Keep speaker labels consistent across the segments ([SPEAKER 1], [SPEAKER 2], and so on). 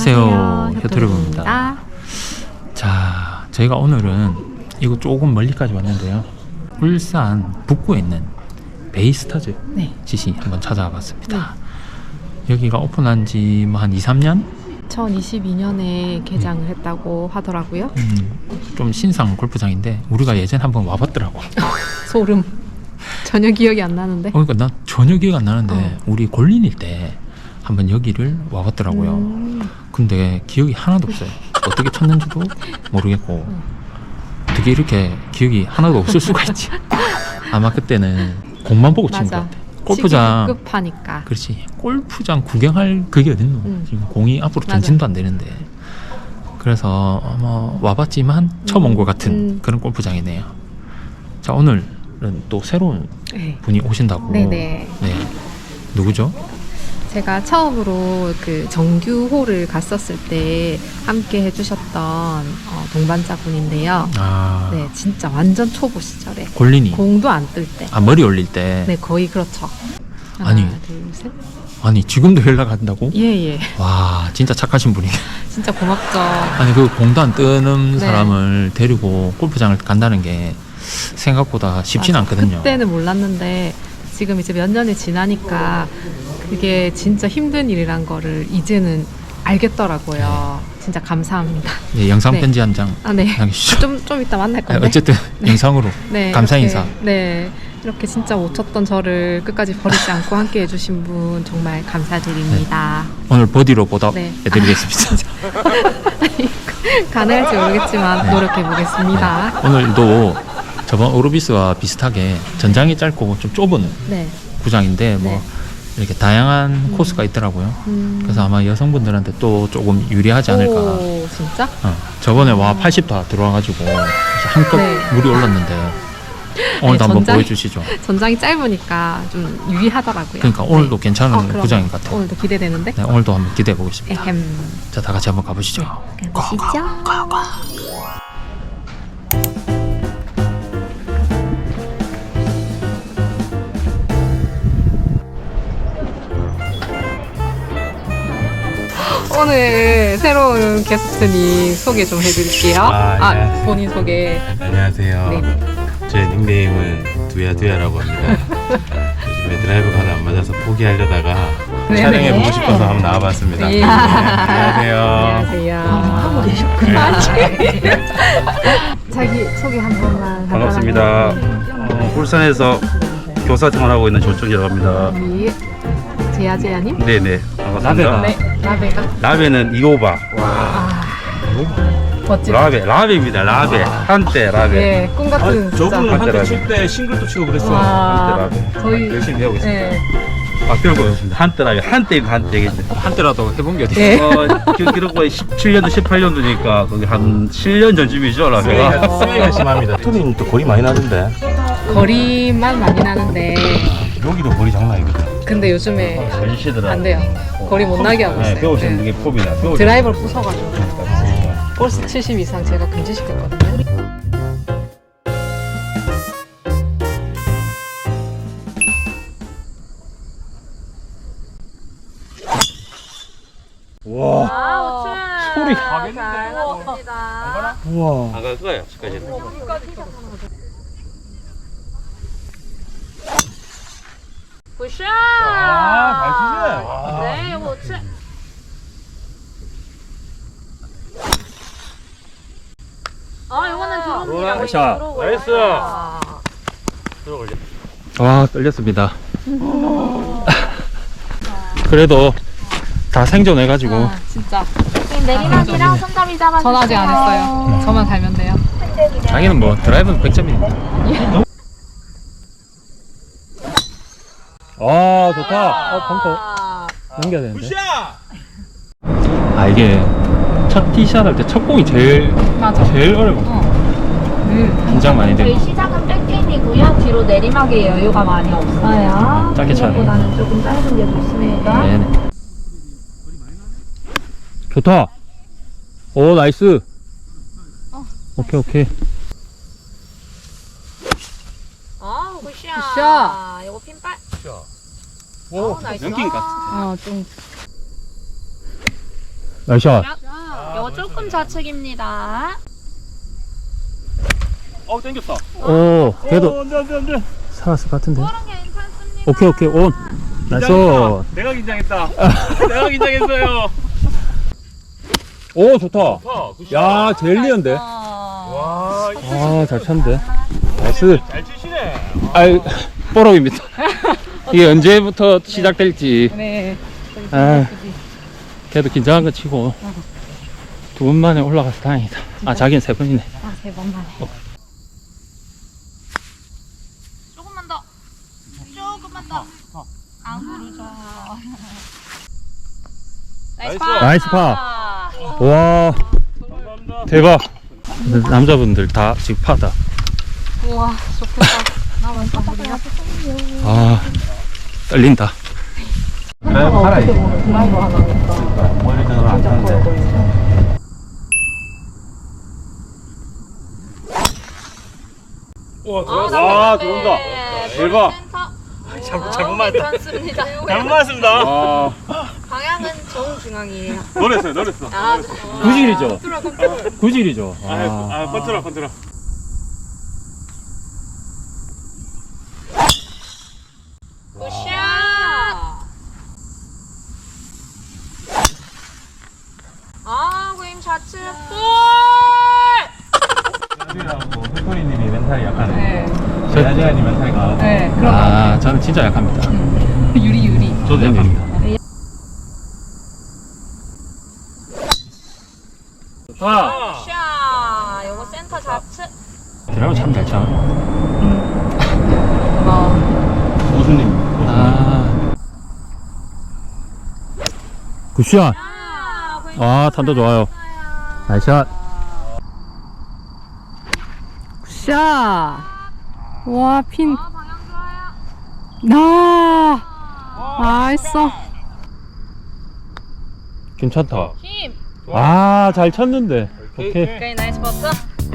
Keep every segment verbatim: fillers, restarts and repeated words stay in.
[SPEAKER 1] 안녕하세요, 효토리브입니다. 자, 저희가 오늘은 이거 조금 멀리까지 왔는데요, 울산 북구에 있는 베이스타즈
[SPEAKER 2] 네.
[SPEAKER 1] 지시 한번 찾아와 봤습니다. 네. 여기가 오픈한 지 뭐 한 이, 삼 년?
[SPEAKER 2] 이천이십이 년에 개장을 음. 했다고 하더라고요.
[SPEAKER 1] 음, 좀 신상 골프장인데 우리가 예전에 한번 와봤더라고.
[SPEAKER 2] 소름. 전혀 기억이 안 나는데.
[SPEAKER 1] 어, 그러니까 난 전혀 기억 안 나는데
[SPEAKER 2] 어.
[SPEAKER 1] 우리 골린일 때 한번 여기를 와봤더라고요.
[SPEAKER 2] 음.
[SPEAKER 1] 근데 기억이 하나도 없어요. 어떻게 쳤는지도 모르겠고 어떻게 이렇게 기억이 하나도 없을 수가 있지. 아마 그때는 공만 보고 친 것 같아. 골프장
[SPEAKER 2] 급하니까.
[SPEAKER 1] 그렇지. 골프장 구경할 그게 어딨노. 음. 지금 공이 앞으로 전진도 안 되는데. 그래서 뭐 와봤지만 처음 온 것 같은
[SPEAKER 2] 음.
[SPEAKER 1] 그런 골프장이네요. 자, 오늘은 또 새로운 네. 분이 오신다고.
[SPEAKER 2] 네네.
[SPEAKER 1] 네. 누구죠?
[SPEAKER 2] 제가 처음으로 그 정규홀을 갔었을 때 함께 해주셨던 어, 동반자분인데요.
[SPEAKER 1] 아.
[SPEAKER 2] 네, 진짜 완전 초보 시절에.
[SPEAKER 1] 골린이.
[SPEAKER 2] 공도 안 뜰 때.
[SPEAKER 1] 아, 머리 올릴 때.
[SPEAKER 2] 네, 거의 그렇죠. 하나,
[SPEAKER 1] 아니.
[SPEAKER 2] 둘, 셋.
[SPEAKER 1] 아니, 지금도 연락한다고?
[SPEAKER 2] 예, 예.
[SPEAKER 1] 와, 진짜 착하신 분이네.
[SPEAKER 2] 진짜 고맙죠.
[SPEAKER 1] 아니, 그 공도 안 뜨는
[SPEAKER 2] 네.
[SPEAKER 1] 사람을 데리고 골프장을 간다는 게 생각보다 쉽진
[SPEAKER 2] 맞아.
[SPEAKER 1] 않거든요.
[SPEAKER 2] 그때는 몰랐는데 지금 이제 몇 년이 지나니까 그게 진짜 힘든 일이란 거를 이제는 알겠더라고요. 네. 진짜 감사합니다.
[SPEAKER 1] 네, 영상
[SPEAKER 2] 네.
[SPEAKER 1] 편지 한 장
[SPEAKER 2] 아, 네.
[SPEAKER 1] 남기시죠.
[SPEAKER 2] 좀, 좀 이따 만날 건데.
[SPEAKER 1] 네, 어쨌든
[SPEAKER 2] 네.
[SPEAKER 1] 영상으로
[SPEAKER 2] 네,
[SPEAKER 1] 감사
[SPEAKER 2] 이렇게,
[SPEAKER 1] 인사.
[SPEAKER 2] 네. 이렇게 진짜 못 쳤던 저를 끝까지 버리지 않고 함께 해주신 분 정말 감사드립니다.
[SPEAKER 1] 네. 오늘 버디로 보답해드리겠습니다.
[SPEAKER 2] 네. 가능할지 모르겠지만
[SPEAKER 1] 네.
[SPEAKER 2] 노력해보겠습니다.
[SPEAKER 1] 네. 오늘도 저번 오르비스와 비슷하게 전장이 짧고 좀 좁은
[SPEAKER 2] 네.
[SPEAKER 1] 구장인데 뭐
[SPEAKER 2] 네.
[SPEAKER 1] 이렇게 다양한
[SPEAKER 2] 음.
[SPEAKER 1] 코스가 있더라고요.
[SPEAKER 2] 음.
[SPEAKER 1] 그래서 아마 여성분들한테 또 조금 유리하지 않을까.
[SPEAKER 2] 오, 진짜?
[SPEAKER 1] 어, 저번에 와 팔십 다 들어와가지고 한껏
[SPEAKER 2] 네.
[SPEAKER 1] 물이 올랐는데 오늘도
[SPEAKER 2] 아니,
[SPEAKER 1] 한번
[SPEAKER 2] 전장이-
[SPEAKER 1] 보여주시죠.
[SPEAKER 2] 전장이 짧으니까 좀 유리하더라고요.
[SPEAKER 1] 그러니까 오늘도
[SPEAKER 2] 네.
[SPEAKER 1] 괜찮은
[SPEAKER 2] 어,
[SPEAKER 1] 구장인 것 같아요.
[SPEAKER 2] 오늘도 기대되는데?
[SPEAKER 1] 네, 오늘도 한번 기대해 보겠습니다.
[SPEAKER 2] 에헴.
[SPEAKER 1] 자, 다 같이 한번 가보시죠.
[SPEAKER 2] 가보시죠. 오늘 새로운 게스트님 소개 좀 해드릴게요.
[SPEAKER 3] 아,
[SPEAKER 2] 아,
[SPEAKER 3] 네.
[SPEAKER 2] 본인 소개.
[SPEAKER 3] 안녕하세요.
[SPEAKER 2] 네.
[SPEAKER 3] 제 닉네임은 두야두야라고 합니다. 요즘에 드라이브가 하나 안 맞아서 포기하려다가
[SPEAKER 2] 네네.
[SPEAKER 3] 촬영해보고 싶어서 한번 나와봤습니다.
[SPEAKER 2] 네.
[SPEAKER 3] 네, 안녕하세요.
[SPEAKER 2] 안녕하세요. 하고 계셨구나. 자기 소개 한 번만.
[SPEAKER 3] 반갑습니다. 어, 울산에서 교사 생활하고 있는 조정이라고 합니다.
[SPEAKER 2] 예. 제야제야님?
[SPEAKER 3] 네네, 반갑습니다.
[SPEAKER 2] 네. 라베가.
[SPEAKER 3] 라베는 이오바.
[SPEAKER 2] 아. 멋지다.
[SPEAKER 3] 라베, 라베입니다. 라베. 한때 라베.
[SPEAKER 2] 예, 꿈 같은 진짜.
[SPEAKER 3] 저분은 한때
[SPEAKER 4] 한때
[SPEAKER 3] 칠
[SPEAKER 4] 칠 때 싱글도 치고 그랬어.
[SPEAKER 2] 와.
[SPEAKER 3] 한때 라베.
[SPEAKER 2] 저희
[SPEAKER 3] 열심히 배우고 있습니다.
[SPEAKER 2] 네.
[SPEAKER 3] 아, 배우고 있습니다. 한때 라베. 한때 한때겠죠.
[SPEAKER 1] 한때라도 해본 게 어디
[SPEAKER 2] 네.
[SPEAKER 3] 어, 기- 기록과 십칠 년도, 십팔 년도니까 거기 한 칠 년 전쯤이죠, 라베가.
[SPEAKER 4] 스윙이 심합니다. 투리는 또 거리 많이 나던데.
[SPEAKER 2] 거리만 많이 나는데
[SPEAKER 4] 여기도 거리 장난 아니거든.
[SPEAKER 2] 근데 요즘에
[SPEAKER 3] 전시더라.
[SPEAKER 2] 안 돼요. 거리 못 나게 하고 있어요.
[SPEAKER 3] 네, 배우시는
[SPEAKER 2] 네.
[SPEAKER 3] 게 폼이나. 배우시는
[SPEAKER 2] 드라이버를 부숴가지고 볼스 칠십 이상 제가 금지시켰거든요.
[SPEAKER 4] 와.
[SPEAKER 2] 아,
[SPEAKER 4] 소리.
[SPEAKER 2] 잘 나옵니다.
[SPEAKER 4] 우와.
[SPEAKER 3] 안갈 거예요, 지금까지는.
[SPEAKER 5] 굿샷!
[SPEAKER 4] 아, 잘 치시네. 와.
[SPEAKER 5] 네, 이거 치. 아, 이거는 들어옵니다.
[SPEAKER 3] 굿샷.
[SPEAKER 5] 들어오고요.
[SPEAKER 3] 나이스.
[SPEAKER 5] 아.
[SPEAKER 3] 들어올려.
[SPEAKER 1] 와, 떨렸습니다. 그래도 다 생존해가지고
[SPEAKER 2] 아, 진짜
[SPEAKER 5] 지금 내리막이랑 손잡이 잡아주세요.
[SPEAKER 2] 전 아직 안 했어요. 저만 달면 돼요.
[SPEAKER 1] 자기는 뭐 드라이브는 백 점이니까.
[SPEAKER 4] 아, 좋다.
[SPEAKER 1] 어, 벙커
[SPEAKER 5] 아,
[SPEAKER 1] 넘겨야 되는데. 아, 이게 첫 티샷 할 때 첫 공이 제일
[SPEAKER 2] 맞아.
[SPEAKER 1] 제일 어려워.
[SPEAKER 2] 어. 음.
[SPEAKER 1] 긴장 많이 되고.
[SPEAKER 5] 저희 시작은 백핀이고요. 뒤로 내리막에 여유가 많이 없어요.
[SPEAKER 1] 짧게 차네.
[SPEAKER 5] 이거보다는 조금 짧은 게 좋습니다.
[SPEAKER 1] 네네. 좋다. 오, 나이스. 오케이, 오케이.
[SPEAKER 5] 아, 굿샷.
[SPEAKER 2] 굿샷.
[SPEAKER 5] 이거 핀발.
[SPEAKER 3] 오,
[SPEAKER 5] 나이스.
[SPEAKER 3] 연기인 것 같아.
[SPEAKER 2] 어, 좀
[SPEAKER 4] 나이샷.
[SPEAKER 5] 요거 조금 좌측입니다.
[SPEAKER 4] 어 땡겼다.
[SPEAKER 1] 오, 그래도
[SPEAKER 4] 안돼 안돼 안돼.
[SPEAKER 1] 살았을 것 같은데.
[SPEAKER 5] 그런 게 괜찮습니다.
[SPEAKER 1] 오케이, 오케이, 온. 나이스.
[SPEAKER 4] 내가 긴장했다. 내가 긴장했어요.
[SPEAKER 1] 오, 좋다.
[SPEAKER 4] 야
[SPEAKER 1] 제일리언데.
[SPEAKER 4] 와,
[SPEAKER 1] 아, 잘 쳤는데. 나이스.
[SPEAKER 4] 잘 치시네.
[SPEAKER 1] 아이, 뽀록입니다. 이게 언제부터 시작될지.
[SPEAKER 2] 네.
[SPEAKER 1] 아, 그래도 긴장한 거 치고 두 번 만에 올라가서 다행이다. 아, 자기는 세 번이네.
[SPEAKER 5] 아, 세 번만에. 조금만 더. 조금만 더. 안 구르죠. 나이스 파.
[SPEAKER 1] 나이스 파. 와, 대박. 남자분들 다 지금 파다.
[SPEAKER 5] 우와, 좋겠다. 나만 선물이야.
[SPEAKER 1] 아, 떨린다.
[SPEAKER 4] 살아있어. 머리 들어 안 타는데. 와, 들어왔어. 와, 들어온다. 대박.
[SPEAKER 5] 잘,
[SPEAKER 4] 잘못 맞았다.
[SPEAKER 5] 괜찮습니다.
[SPEAKER 4] 잘못 맞았습니다. 와,
[SPEAKER 5] 방향은 정중앙이에요.
[SPEAKER 4] 노렸어요, 노렸어.
[SPEAKER 5] 아,
[SPEAKER 1] 구질이죠. 구질이죠.
[SPEAKER 4] 아, 아, 컨트롤, 컨트롤.
[SPEAKER 5] 굿샷. 아, 고임 좌측 볼.
[SPEAKER 4] 야지하고 휘토리님이 멘탈이 약하네.
[SPEAKER 2] 네.
[SPEAKER 4] 야지아님 멘탈이 강하고.
[SPEAKER 2] 네. 그럼
[SPEAKER 1] 아, 저는 진짜 약합니다.
[SPEAKER 2] 유리 유리.
[SPEAKER 4] 저도 약합니다. 좋다.
[SPEAKER 5] 굿샷. 요거 센터 좌측.
[SPEAKER 1] 드라이브 참 잘 쳐.
[SPEAKER 2] 어.
[SPEAKER 4] 오수님.
[SPEAKER 1] 아, 굿샷.
[SPEAKER 5] 아, 고임
[SPEAKER 1] 아, 탄도 좋아요. 나이스샷.
[SPEAKER 2] 샷. 와, 핀.
[SPEAKER 5] 아, 방향 좋아요.
[SPEAKER 2] 나. 나이스.
[SPEAKER 1] 괜찮다.
[SPEAKER 5] 힘.
[SPEAKER 1] 아, 잘 쳤는데. 오케이.
[SPEAKER 5] 오케이, 나이스 버튼.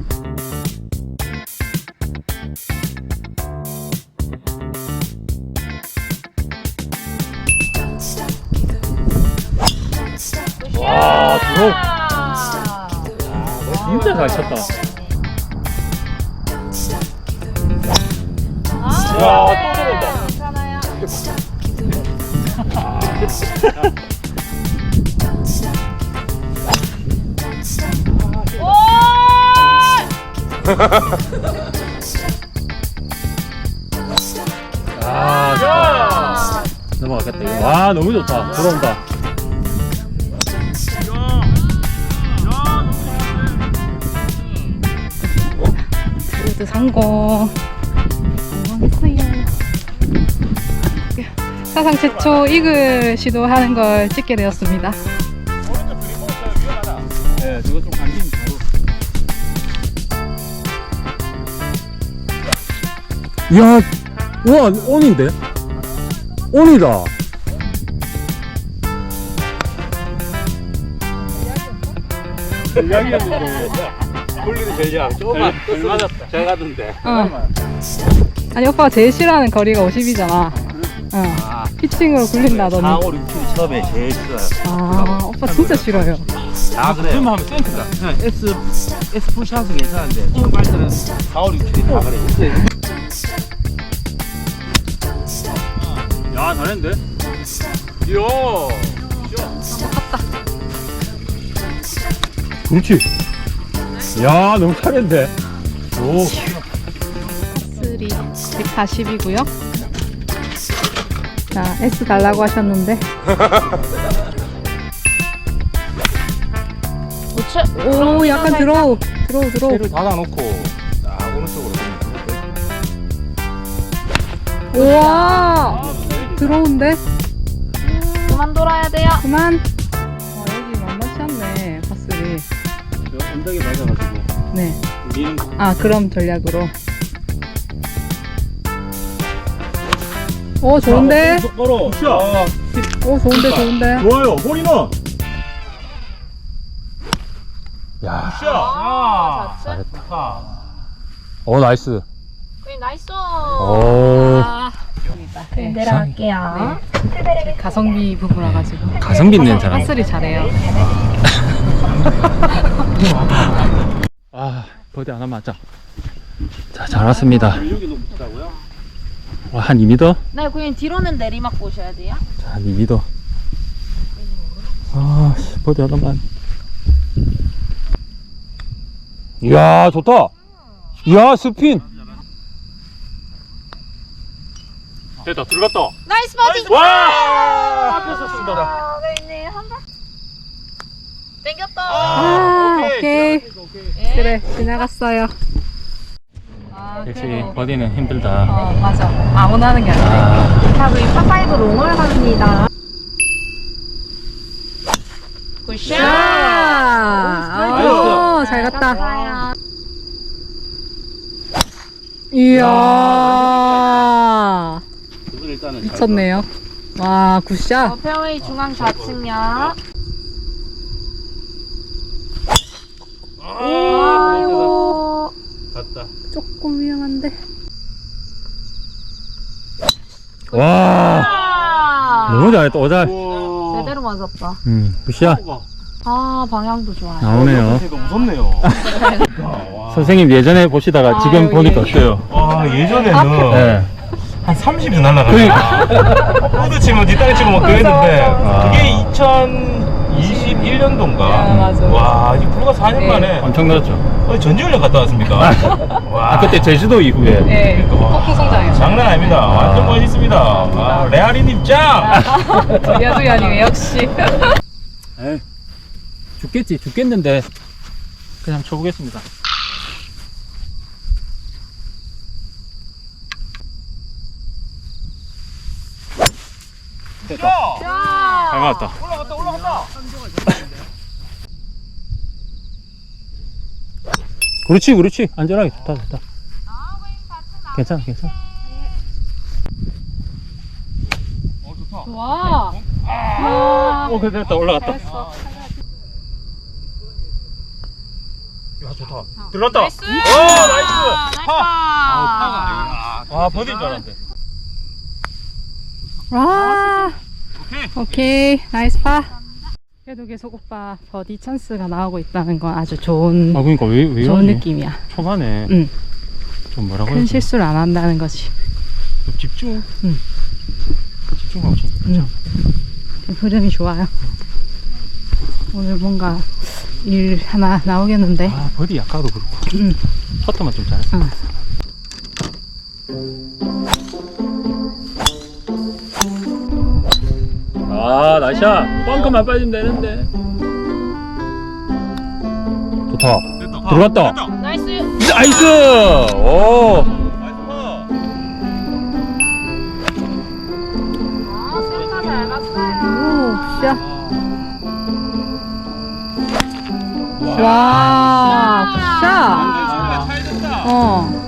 [SPEAKER 1] 와, 들어.
[SPEAKER 5] 아,
[SPEAKER 1] 진짜 잘 쳤다.
[SPEAKER 5] 와, 또 들어온다. 괜찮아요.
[SPEAKER 1] 아, 좋다. 넘어가겠다. 이거. 와, 너무 좋다. 들어온다.
[SPEAKER 2] 모두 성공. 성공했어요. 사상 최초 이글 시도하는 걸 찍게 되었습니다.
[SPEAKER 1] 네, 저거 좀 감기면 바로. 이야, 와, 온인데? 온이다.
[SPEAKER 4] 전략이었는데. 돌리는 전략. 조금만. 덜 맞았다. 잘 가던데.
[SPEAKER 2] 어. 아니 오빠가 제일 싫어하는 거리가 오십이잖아. 어. 피칭으로 굴린다더니.
[SPEAKER 4] 사, 오, 육 킬이 처음에 제일 싫어요.
[SPEAKER 2] 아, 오빠 진짜 싫어요.
[SPEAKER 4] 아, 그래. 그러면 하면 센터다. S, S 풀샷은 괜찮은데, 처음 갈 때는 사, 오, 육 킬이 다 그래. 야, 잘했는데? 이야.
[SPEAKER 1] 그렇지. 야, 너무 잘했는데. 오.
[SPEAKER 2] 삼 백사십이고요. 자, S 달라고 하셨는데.
[SPEAKER 5] 우측.
[SPEAKER 2] 오, 약간 들어오. 들어오, 들어오.
[SPEAKER 4] 배를 닫아놓고, 딱 오른쪽으로.
[SPEAKER 2] 우와! 들어온데?
[SPEAKER 5] 그만 돌아야 돼요.
[SPEAKER 2] 그만. 아, 여기 만만치 않네, 파슬이.
[SPEAKER 4] 언덕에 맞아가지고.
[SPEAKER 2] 네.
[SPEAKER 4] 우리는
[SPEAKER 2] 아, 그럼 전략으로. 오, 좋은데?
[SPEAKER 4] 똑바로. 굿샷.
[SPEAKER 2] 오, 좋은데, 좋은데?
[SPEAKER 4] 좋아요. 홀인원.
[SPEAKER 1] 야,
[SPEAKER 4] 굿샷.
[SPEAKER 5] 아, 좌측.
[SPEAKER 1] 잘했다. 오, 나이스.
[SPEAKER 5] 나이스.
[SPEAKER 1] 오.
[SPEAKER 2] 아, 네.
[SPEAKER 5] 내려갈게요.
[SPEAKER 2] 가성비 부부라 가지고
[SPEAKER 1] 가성비 있는 사람.
[SPEAKER 2] 핫소리 잘해요.
[SPEAKER 1] 아, 버디 하나 맞자. 자, 잘 왔습니다. 와, 한 이 미터?
[SPEAKER 5] 네, 고객님 뒤로는 내리막 보셔야 돼요.
[SPEAKER 1] 자, 한 이 미터. 아, 씨, 버디 하나만. 이야, 좋다. 이야, 스핀. 됐다, 들어갔다.
[SPEAKER 5] 나이스 버디.
[SPEAKER 1] 와! 앞에서 쓴다.
[SPEAKER 5] 아, 고객님 한 번. 땡겼다.
[SPEAKER 2] 아, 오케이. 그래, 지나갔어요. 아,
[SPEAKER 1] 역시
[SPEAKER 2] 그래도-
[SPEAKER 1] 버디는 힘들다.
[SPEAKER 2] 어, 맞아. 아무나 하는 게 아니라.
[SPEAKER 1] 아,
[SPEAKER 5] 자, 우리 파파이브 롱을 갑니다. 굿샷.
[SPEAKER 2] 아, 잘 갔다.
[SPEAKER 5] 갔어요.
[SPEAKER 2] 이야,
[SPEAKER 4] 그건 일단은
[SPEAKER 2] 미쳤네요. 와,
[SPEAKER 5] 어,
[SPEAKER 2] 굿샷.
[SPEAKER 5] 페어웨이 중앙 좌측면. 아이고.
[SPEAKER 4] 갔다.
[SPEAKER 2] 조금 위험한데.
[SPEAKER 1] 와,
[SPEAKER 5] 아,
[SPEAKER 1] 너무 잘했다. 오잘.
[SPEAKER 5] 제대로 맞았다.
[SPEAKER 1] 음, 굿샷.
[SPEAKER 5] 아, 방향도 좋아요.
[SPEAKER 1] 나오네요.
[SPEAKER 4] 제가 무섭네요.
[SPEAKER 1] 선생님 예전에 보시다가
[SPEAKER 2] 아,
[SPEAKER 1] 지금
[SPEAKER 2] 여기.
[SPEAKER 1] 보니까 어때요?
[SPEAKER 4] 와 예전에는
[SPEAKER 1] 네.
[SPEAKER 4] 한 삼십이 날라가니까 보드 치면 뒷땅 치고 막 그랬는데
[SPEAKER 1] 맞아.
[SPEAKER 4] 그게 이천이십일 년도인가
[SPEAKER 2] 아, 맞아.
[SPEAKER 4] 와 이제 불과 사 년
[SPEAKER 2] 네.
[SPEAKER 4] 만에
[SPEAKER 1] 엄청났죠.
[SPEAKER 4] 어디 전지훈련 갔다 왔습니까? 와
[SPEAKER 1] 아, 그때 제주도 이후에.
[SPEAKER 2] 네,
[SPEAKER 4] 와,
[SPEAKER 2] 폭풍 성장했어.
[SPEAKER 4] 장난 아닙니다. 완전 멋있습니다. 아, 레아리님 짱!
[SPEAKER 2] 야도 아니고 역시.
[SPEAKER 1] 에이, 죽겠지, 죽겠는데. 그냥 쳐보겠습니다. 됐다. 잘 맞았다.
[SPEAKER 4] 올라갔다 올라갔다.
[SPEAKER 1] 그렇지, 그렇지. 안전하게 좋다, 좋다. 괜찮아, 괜찮아.
[SPEAKER 4] 어 좋다.
[SPEAKER 2] 와.
[SPEAKER 1] 오, 그래, 됐다. 올라갔다.
[SPEAKER 2] 잘했어.
[SPEAKER 4] 야 좋다. 들어갔다.
[SPEAKER 5] 나이스.
[SPEAKER 4] 오 나이스. 파.
[SPEAKER 5] 아,
[SPEAKER 4] 아 버디인 줄 알았는데.
[SPEAKER 2] 와.
[SPEAKER 4] 오케이.
[SPEAKER 2] 오케이, 나이스 파. 그래도 계속 오빠 버디 찬스가 나오고 있다는 건 아주 좋은
[SPEAKER 1] 아, 그러니까 왜, 왜
[SPEAKER 2] 좋은
[SPEAKER 1] 이러지?
[SPEAKER 2] 느낌이야.
[SPEAKER 1] 초반에
[SPEAKER 2] 응.
[SPEAKER 1] 좀 뭐라고
[SPEAKER 2] 큰
[SPEAKER 1] 해야지?
[SPEAKER 2] 실수를 안 한다는 거지.
[SPEAKER 1] 좀 집중.
[SPEAKER 2] 응.
[SPEAKER 1] 집중하고 치니까.
[SPEAKER 2] 응. 흐름이 좋아요. 오늘 뭔가 일 하나 나오겠는데.
[SPEAKER 1] 아, 버디 약가도 그렇고.
[SPEAKER 2] 응.
[SPEAKER 1] 퍼터만 좀 잘했어.
[SPEAKER 2] 응.
[SPEAKER 1] 아, 나이샷. 뻥크만 빠지면 되는데. 좋다.
[SPEAKER 4] 됐다.
[SPEAKER 1] 들어갔다.
[SPEAKER 4] 됐다.
[SPEAKER 5] 나이스.
[SPEAKER 1] 나이스! 오!
[SPEAKER 4] 나이스 파.
[SPEAKER 5] 아, 센터 잘 갔어요.
[SPEAKER 2] 오, 굿샷. 와, 굿샷.
[SPEAKER 4] 잘 됐다.
[SPEAKER 2] 어.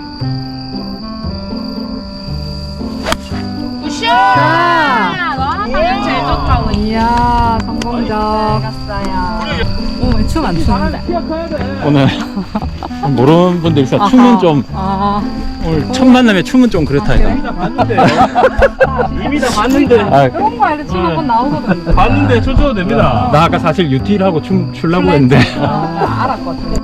[SPEAKER 5] 굿샷.
[SPEAKER 2] 자.
[SPEAKER 5] 와, 방향 제일 좋다, 우리.
[SPEAKER 2] 이야,
[SPEAKER 5] 잘
[SPEAKER 2] 성공적.
[SPEAKER 5] 갔어요.
[SPEAKER 2] 오, 춤 안 추는데.
[SPEAKER 1] 오늘 모르는 분들 있어. 춤은 좀
[SPEAKER 2] 아,
[SPEAKER 1] 오늘 첫 만남에 춤은 좀 그렇다니까.
[SPEAKER 2] 그래?
[SPEAKER 4] 이미 다 봤는데. 이미 다 봤는데.
[SPEAKER 1] 아,
[SPEAKER 2] 그런 거 알지? 춤 한 번 나오거든.
[SPEAKER 4] 봤는데 춰줘도 됩니다.
[SPEAKER 1] 나 아까 사실 유티를 하고 춤 추려고 했는데.
[SPEAKER 2] 아, 알았거든.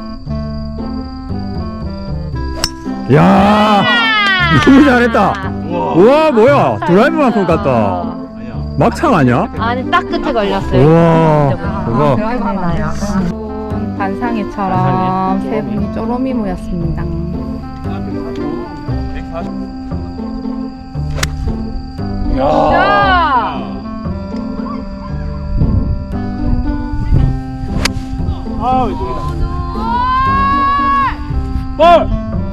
[SPEAKER 1] 야, 너무 잘했다.
[SPEAKER 4] 우와.
[SPEAKER 1] 우와, 뭐야? 드라이브만큼 갔다.
[SPEAKER 4] 아니야.
[SPEAKER 1] 막창 아니야?
[SPEAKER 5] 아니, 딱 끝에 걸렸어요.
[SPEAKER 1] 우와,
[SPEAKER 2] 아,
[SPEAKER 1] 그거.
[SPEAKER 2] 드라이브 하나요. 반상회처럼 세 분이 쪼로미 모였습니다.
[SPEAKER 1] 야,
[SPEAKER 4] 아 왼쪽이다.
[SPEAKER 1] 볼!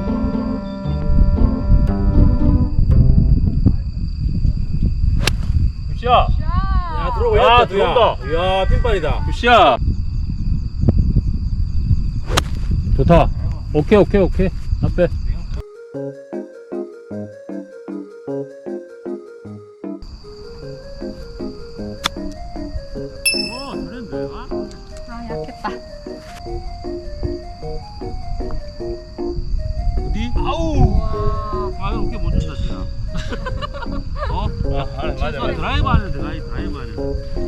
[SPEAKER 4] 굿샷. 야 들어오고 야 들어온다. 이야 핀발이다.
[SPEAKER 1] 굿샷. 좋다. 오케이, 오케이, 오케이. 앞에.
[SPEAKER 4] 와 잘했는데.
[SPEAKER 2] 아, 약했다.
[SPEAKER 4] 어디? 아우. 아, 드라이브 안에 들어가야 드라이브 안에.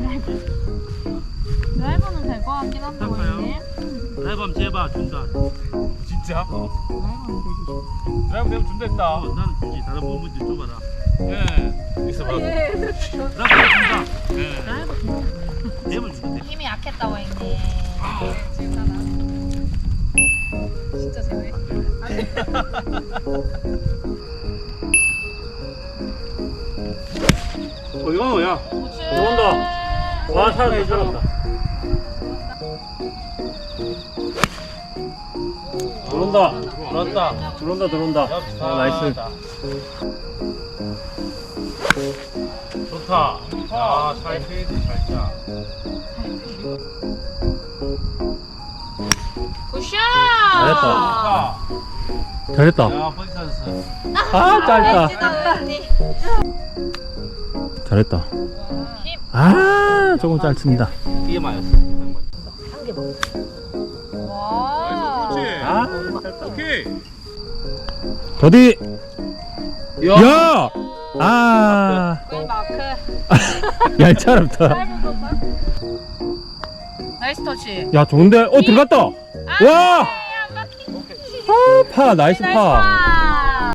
[SPEAKER 5] 드라이버는 될 것 같긴 한데 고객님.
[SPEAKER 4] 드라이브 하면 제발 준다.
[SPEAKER 6] 진짜?
[SPEAKER 4] 어.
[SPEAKER 6] 드라이브 되면 준다 했다.
[SPEAKER 4] 어, 나는 주지. 다른 부분들 줘봐라.
[SPEAKER 6] 예. 있어봐.
[SPEAKER 4] 드라이브 준다. 예. 내면 준대.
[SPEAKER 5] 힘이 약했다 고객님.
[SPEAKER 2] 진짜 재밌.
[SPEAKER 4] 어디 가는 거야? 들어온다. 와, 살았다, 살았다. 들어온다. 들어온다. 들어온다, 들어온다. 아, 나이스. 좋다. 아, 잘 페이지 살짝.
[SPEAKER 5] 굿샷!
[SPEAKER 4] 잘했다.
[SPEAKER 1] 잘했다.
[SPEAKER 4] 야, 버디 찬스.
[SPEAKER 1] 아, 짧다.
[SPEAKER 5] 멋지다 고객님.
[SPEAKER 1] 잘했다. 아, 조금 짧습니다.
[SPEAKER 4] 이게 맞았어.
[SPEAKER 5] 와.
[SPEAKER 4] 아,
[SPEAKER 6] 오케이.
[SPEAKER 1] 버디. 야! 아,
[SPEAKER 5] 거의 마크.
[SPEAKER 1] 얄짤없다.
[SPEAKER 5] 나이스 터치.
[SPEAKER 1] 야, 좋은데? 어, 들어갔다. 와! 아, 파, 나이스 파.